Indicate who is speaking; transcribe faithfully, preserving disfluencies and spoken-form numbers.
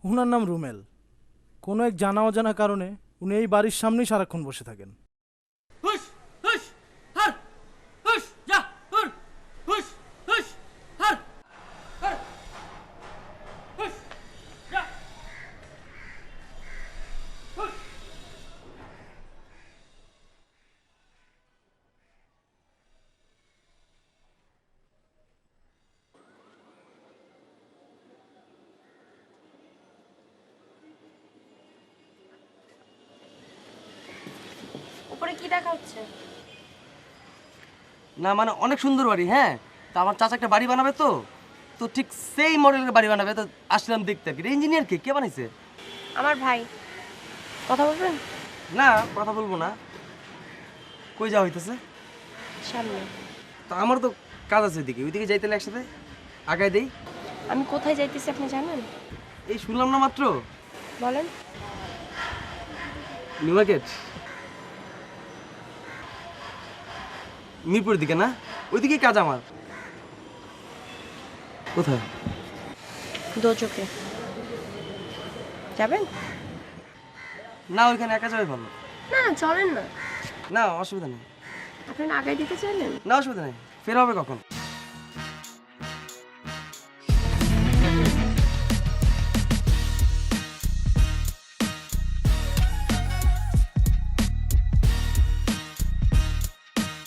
Speaker 1: ওনার নাম রুমেল। কোনো এক জানা অজানা কারণে উনি এই বাড়ির সামনেই সারাক্ষণ বসে থাকেন।
Speaker 2: হুশ হুশ হার হুশ যা হুর হুশ হুশ হার হার হুশ যা হুশ।
Speaker 3: উপরে কি দেখা হচ্ছে?
Speaker 4: না মানে অনেক সুন্দর বাড়ি, হ্যাঁ। তা আমার চাচা একটা বাড়ি বানাবে, তো তো ঠিক সেই মডেলের বাড়ি বানাবে, তো আসলাম দেখতে আর কি। ইঞ্জিনিয়ার কে কে বানাইছে?
Speaker 3: আমার ভাই। কথা বলবেন?
Speaker 4: না, কথা বলবো না। কই যাওয়া হইতেছে?
Speaker 3: সামনে।
Speaker 4: তো আমার তো কাজ আছে ওইদিকে, ওইদিকে যাইতে হলে একসাথে আগায় দেই।
Speaker 3: আমি কোথায় যাইতেছি আপনি জানেন?
Speaker 4: এই শুনলাম না মাত্র।
Speaker 3: বলেন।
Speaker 4: নিউ মার্কেট, মিরপুরের দিকে না? ওইদিকেই কাজ আমার। কোথায়?
Speaker 3: দোচকে যাবেন?
Speaker 4: না, ওইখানে একা যাবে ভালো।
Speaker 3: না চলেন না।
Speaker 4: না, অসুবিধা নেই।
Speaker 3: আপনি আগায় দিতে চাইলেন?
Speaker 4: না, অসুবিধা নেই। ফের হবে কখন?